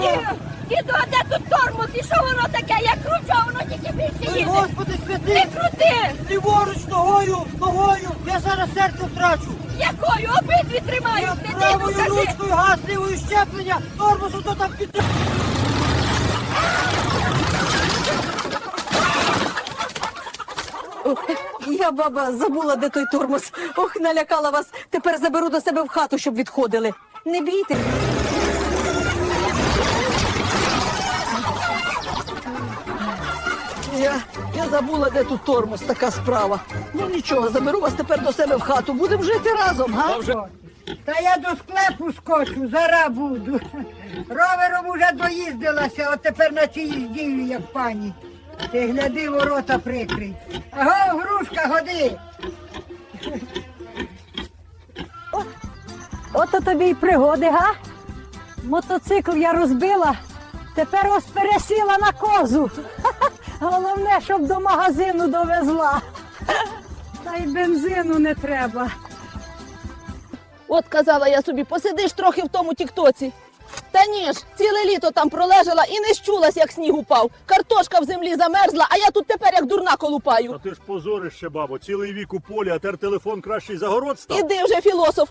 Діду, а де тут тормоз? І що воно таке? Я кручу, а воно тільки більше Ой, їде. Господи святий! Не крути! Ліворуч, ногою! Я зараз серце втрачу! Якою? Обидві тримаються. Діду, Правою кажи. ручкою газ, лівою щеплення! Тормозу то там під... Я, баба, забула, де той тормоз. Ох, налякала вас. Тепер заберу до себе в хату, щоб відходили. Не бійте. Я забула, де тут тормоз, така справа. Ну нічого, заберу вас тепер до себе в хату. Будемо жити разом, га? Та я до склепу скочу, зараз буду. Ровером уже доїздилася, от тепер на цій їздію, як пані. Ти гляди, ворота прикрий. Аго, грушка, годи. Ото тобі й пригоди, га? Мотоцикл я розбила, тепер ось пересіла на козу. Головне, щоб до магазину довезла. Та й бензину не треба. От казала я собі, посидиш трохи в тому тіктоці. Та ні ж, ціле літо там пролежала і не щулась, як сніг упав. Картошка в землі замерзла, а я тут тепер як дурна колупаю. Та ти ж позорище, бабо, цілий вік у полі, а тепер телефон кращий за город став. Іди вже, філософ,